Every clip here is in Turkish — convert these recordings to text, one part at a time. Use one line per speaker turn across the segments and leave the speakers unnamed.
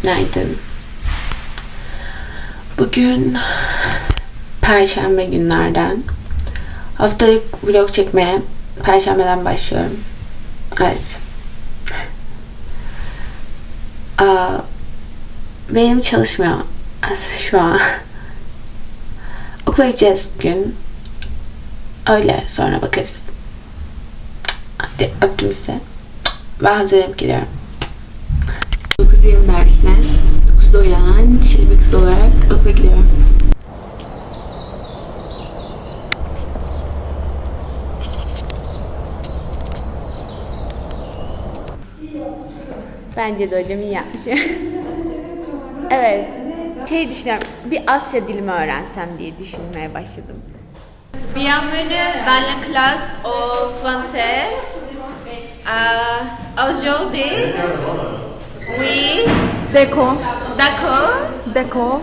Günaydın. Bugün Perşembe günlerden. Haftalık vlog çekmeye Perşembeden başlıyorum. Evet. Benim çalışmıyor şu an. Okula gideceğiz bugün. Öyle sonra bakarız. Hadi öptüm size. Ben hazırlanıp geliyorum. 9:20 dersine 9'da uyanan çil bir kız olarak okula gidiyorum. Bence de hocam iyi yapmış. Evet. Düşünüyorum. Bir Asya dilimi öğrensem diye düşünmeye başladım. Bienvenue dans la classe au français. Aujourd'hui, oui.
D'accord.
D'accord.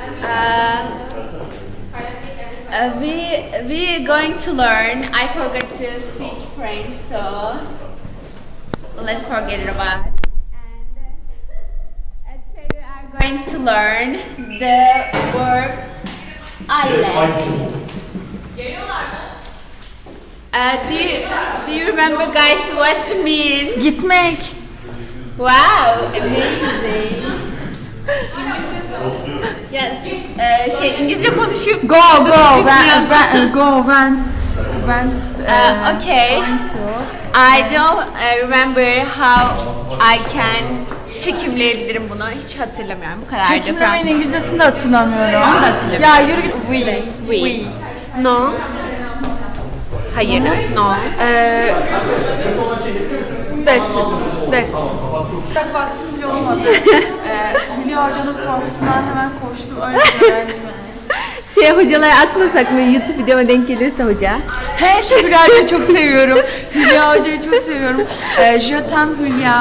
We are going to learn. I forgot to speak French, so let's forget it about it. And today we are going to learn the verb aller. Do you remember, guys, what's it mean?
Gitmek.
Wow, amazing. Ya İngilizce konuşuyor.
Go. Went.
Okay. I don't remember how I can çekimleyebilirim bunu. Hiç hatırlamıyorum. Bu kadar.
Çekimlemeyin İngilizcesini de hatırlamıyorum.
Onu da hatırlamıyorum.
Ya yürü git.
We. No. Hayır. No.
That's. Çok vaktim bile olmadı. Hülya Hoca'nın karşısına hemen koştum. Öyle bir öğrendim yani.
Hocalara atmasak mı? YouTube videoma denk gelirse hoca.
Şu Hülya Hoca'yı çok seviyorum. Hülya Hoca'yı çok seviyorum. Je t'aime Hülya.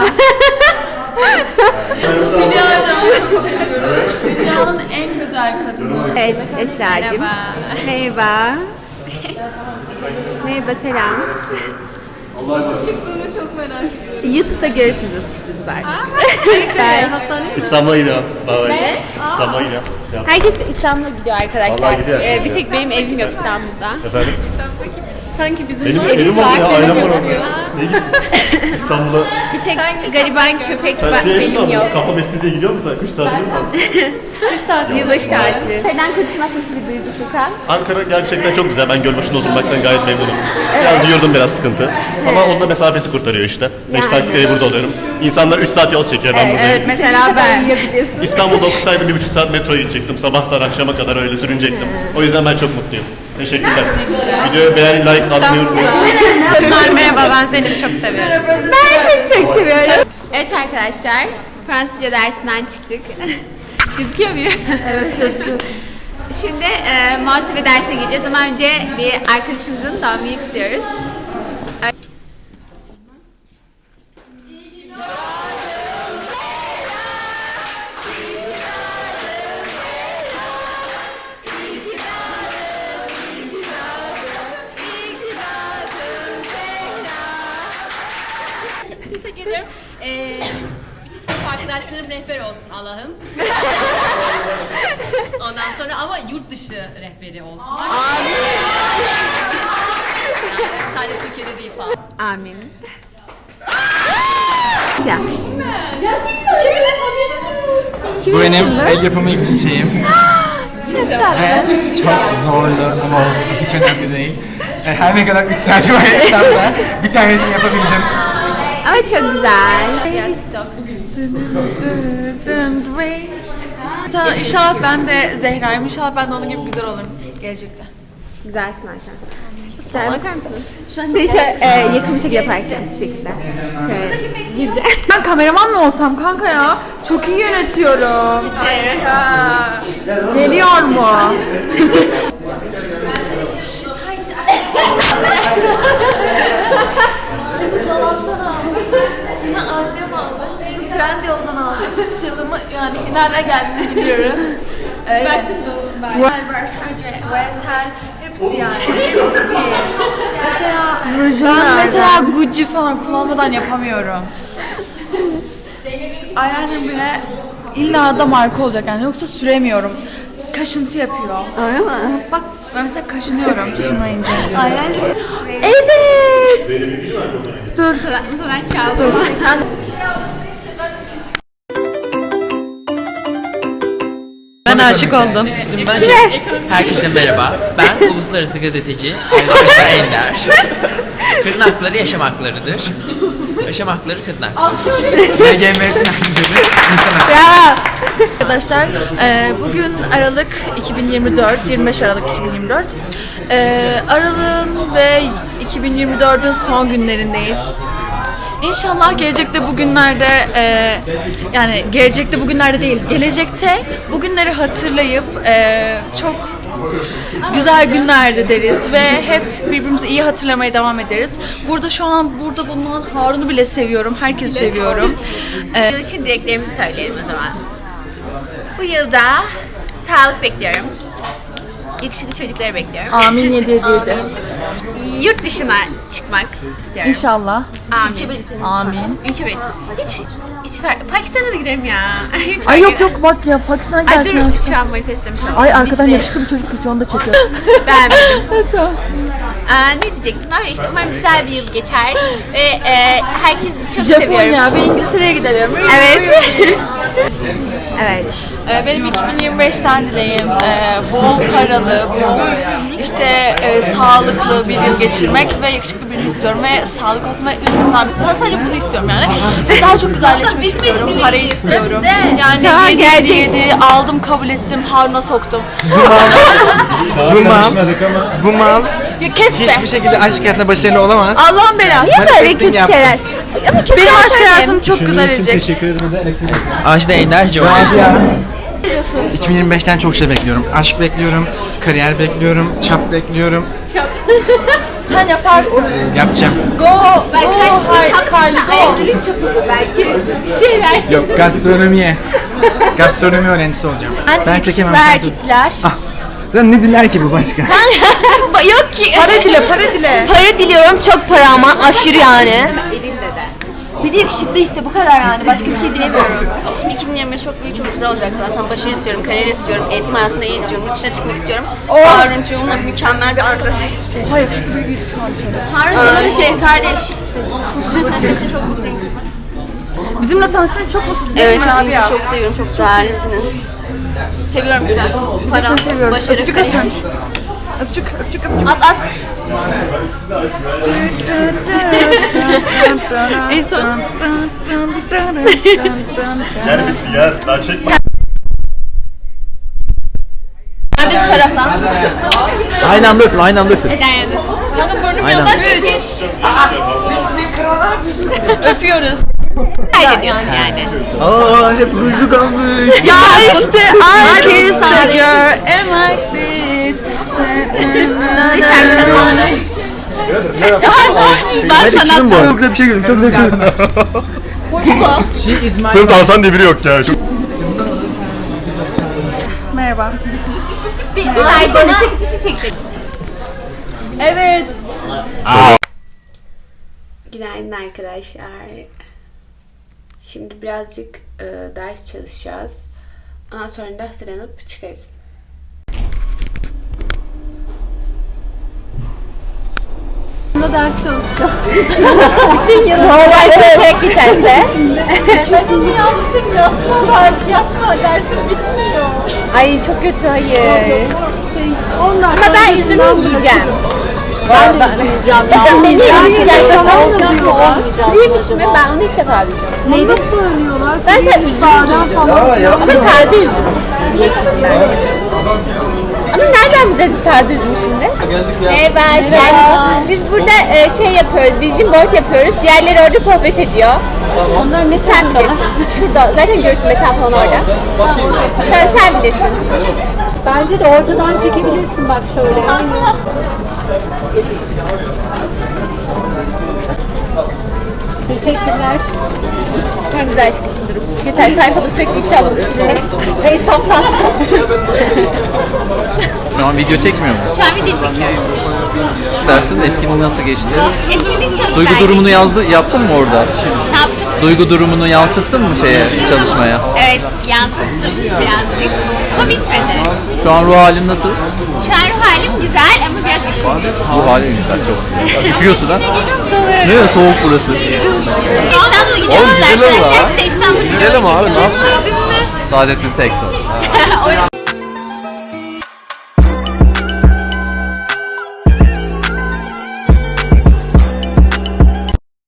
Hülya Hoca'yı çok seviyorum. Dünyanın en güzel kadını.
Evet Esra'cığım. Merhaba. Merhaba selam.
Çıktığını çok merak ediyorum.
YouTube'da görürsünüz nasıl çıktığını zaten.
İstanbul'a gidiyorum. Ne? İstanbul'a gidiyorum.
Herkes de İstanbul'a gidiyor arkadaşlar.
Vallahi gidiyor.
Bir tek benim evim yok İstanbul'da.
Efendim?
Sanki bizim
Benim
evimiz
evim
var.
oldu ya,
senin
ailem var
yok.
orada. Ne gittin? İstanbul'a.
Bir tek gariban köpek
Sen
benim yok.
Kafa Mesleği'ye gidiyor musun sen? Kış tatili mi sen?
Kış tatili, yılbaşı tatili. Nereden kurtulmak nasıl bir duygu Furkan?
Ankara gerçekten çok güzel. Ben Gölbaşı'nda oturmaktan gayet memnunum. Biraz yurdum biraz sıkıntı. Ama onun da mesafesi kurtarıyor işte. 5 dakikaya burada oluyorum. İnsanlar 3 saat yol çekiyor. Ben buradayım.
Evet mesela ben.
İstanbul'da okusaydım 1,5 saat metroya gidecektim. Sabahtan akşama kadar öyle sürünecektim. O yüzden ben çok mutluyum. Teşekkürler. Videoyu beğen, like atmayı unutmayın.
Kızlar merhaba, ben Zeynep'i çok seviyorum.
Ben de çok seviyorum. Evet arkadaşlar, Fransızca dersinden çıktık. Gözüküyor muyum? Evet, gözüküyor. Şimdi muhasebe dersine gireceğiz ama önce bir arkadaşımızın doğum gününü kutluyoruz.
Teşekkür ederim. Bütün sınıf arkadaşlarım rehber olsun Allah'ım. Ondan sonra ama yurt dışı rehberi olsunlar. Amin. Yani sadece Türkiye'de değil falan.
Amin. Yapmış.
Bu benim el yapımı ilk çiçeğim. Çok zordu ama olsun, hiç önemli değil. Her ne kadar 3 saat uğraşsam da bir tanesini yapabildim.
Ama çok güzel.
Biraz TikTok.
İnşallah ben de Zehra'yım. İnşallah ben de onun gibi güzel olurum gelecekte.
Güzelsin Ayşe. Sen bakar mısın? Seni şöyle yakın bir şekilde yaparsın şu şekilde. Şöyle güzel.
Ben kameraman mı olsam kanka ya? Çok iyi yönetiyorum. Geliyor mu?
Şunu dolaptan aldım. Şunu annem aldı. Şunu Trendyol'dan aldım. Şunu yani nereden geldiğini biliyorum. Öyle.
Hepsi yani. Hepsi. Mesela Gucci falan kullanmadan yapamıyorum. Eyeliner bile illa da marka olacak yani yoksa süremiyorum. Kaşıntı yapıyor.
Öyle mi?
Bak ben mesela kaşınıyorum şunlayınca.
Evet.
Ben çaldım.
Ben aşık oldum. Herkese merhaba. Ben uluslararası gazeteci Ayşe Ender. Kadın hakları yaşam haklarıdır. Yaşam hakları kadın hakları.
LGBT
Arkadaşlar bugün Aralık 2024, 25 Aralık 2024. Aralığın ve 2024'ün son günlerindeyiz. İnşallah gelecekte bugünlerde yani gelecekte bugünlerde değil, gelecekte bugünleri hatırlayıp çok güzel günlerde deriz ve hep birbirimizi iyi hatırlamaya devam ederiz. Burada şu an burada bulunan Harun'u bile seviyorum, herkesi seviyorum.
Yıl için dileklerimizi söyleyelim o zaman. Bu yılda sağlık bekliyorum. Yakışıklı çocukları bekliyorum.
Amin 7
Yurt dışına çıkmak istiyorum.
İnşallah.
Amin.
Amin.
Ülke belli. Hiç Pakistan'a da giderim ya. Hiç
Ay yok
fark
yok bak ya Pakistan'a
etmez. Ay dur
gelsin.
şu an manifestlemiş oldum.
Ay arkadan
Bitmiyor.
yakışıklı bir çocuk geçiyor onu da çekiyor.
Beğenmedim.
Tamam.
Ne diyecektim? Öyle işte umarım güzel bir yıl geçer. Ve herkesi çok seviyorum.
Japonya ve İngiltere'ye gidelim.
Evet. evet.
Benim 2025'ten dileğim bol paralı, bol işte sağlıklı bir yıl geçirmek ve yakışıklı birini istiyorum ve sağlık olsun ve üzülmesem sadece bunu istiyorum yani. Ve daha çok güzelleşmek istiyorum, para istiyorum. Yani 7 aldım kabul ettim, Harun'a soktum.
Bu mal
Ya kes be!
hiçbir şekilde aşk hayatında başarılı olamaz.
Allah'ın belası.
Niye böyle kötü şeyler?
Benim aşk hayatım çok güzel edecek.
Ajda Ender Joy.
2025'ten çok şey bekliyorum. Aşk bekliyorum, kariyer bekliyorum, çap bekliyorum.
Sen yaparsın.
Yapacağım.
Go, Carly, go.
Belki bir şeyler.
Yok, gastronomi öğrencisi olacağım. Ben çekemem.
erkekler.
Ah, sen ne diler ki bu başka?
Yok ki.
Para dile, para dile.
Para diliyorum, çok para ama aşırı yani.
Elimde de.
Bir de yakışıklı işte, bu kadar yani. Başka bir şey dilemiyorum. Şimdi 2025 çok büyük, çok güzel olacak zaten. Başarı istiyorum, kariyer istiyorum, eğitim hayatında iyi istiyorum, yurt dışına çıkmak istiyorum. Harun'cuğumla mükemmel bir arkadaş istiyorum.
Hayır, yakışıklı bir git şu an şöyle.
Harun sana da şey kardeş. Sizinle tanıştığım için çok mutluyum.
Bizimle tanıştığın çok mutsuz
Evet,
değil mi abi ya?
hepinizi çok seviyorum, çok değerlisiniz. Seviyorum sizi. Para,
Seni seviyorum.
başarı,
Öpücük
kariyer.
atın. Öpücük, öpücük, öpücük.
At.
En son.
Yer bitti yer. Daha çekme.
Hadi bu taraftan.
Aynı anda öpün, aynı anda öpün.
Kanka burnum
Aynen.
yoldan öpüyoruz.
Kaydediyorsun yani.
Aa, hep rujlu kalmış.
Ya işte I kissed a girl and like this.
Ben sanat. Çok güzel bir şey gördüm, çok güzel bir şey gördüm.
Sırf Alsan diye biri yok ya. Çok...
Merhaba.
Ay bana bir şey çekecek.
Evet.
Günaydın arkadaşlar. Şimdi birazcık ders çalışacağız. Ondan sonra da hazırlanıp çıkarız.
Bunda ders çalışacağım.
Bütün yıl çalışarak geçerse.
Yapma dersim bitmiyor.
Ay çok kötü, hayır. Ama ben yüzümü yiyeceğim.
Ben de yiyeceğim.
Mesela beni yiyeceğim. Neymiş mi? Ben onu ilk defa duydum.
Neyi söylüyorlar?
Ben sen üzümü duydum. Ama taze üzüm. Yeşil biber. Ama nereden bileceğiz biz taze üzümü şimdi? Merhaba, hoş geldiniz. Biz burada şey yapıyoruz, vision board yapıyoruz. Diğerleri orada sohbet ediyor. Onlar ne sen bilirsin. Şurada, zaten görürsün Metan falan orada. Sen bilirsin.
Bence de ortadan çekebilirsin bak şöyle. Teşekkürler.
Ne güzel çıkışımdır. Yeter, sayfada sürekli ifşa bulmuş.
Şu an
an video çekmiyor mu?
Şu an video çekiyorum.
Dersin etkinliği nasıl geçti?
Etkinlik çok
Duygu
güzel
durumunu
geçti.
yaptın mı orada?
Ne yaptın?
Duygu durumunu yansıttın mı çalışmaya?
Evet, yansıttım birazcık. Ama bitmedi.
Şu an ruh halin nasıl?
Şu an ruh halim güzel ama biraz üşümüş.
Ruh halin güzel çok. Üşüyorsun ha? Ne soğuk burası.
İstanbul'a gidiyoruz
Oğlum, gidelim
arkadaşlar.
lan.
Size İstanbul'a
Gidelim abi, ne
yapacağız?
Saadettin Teksoy.
Öyle-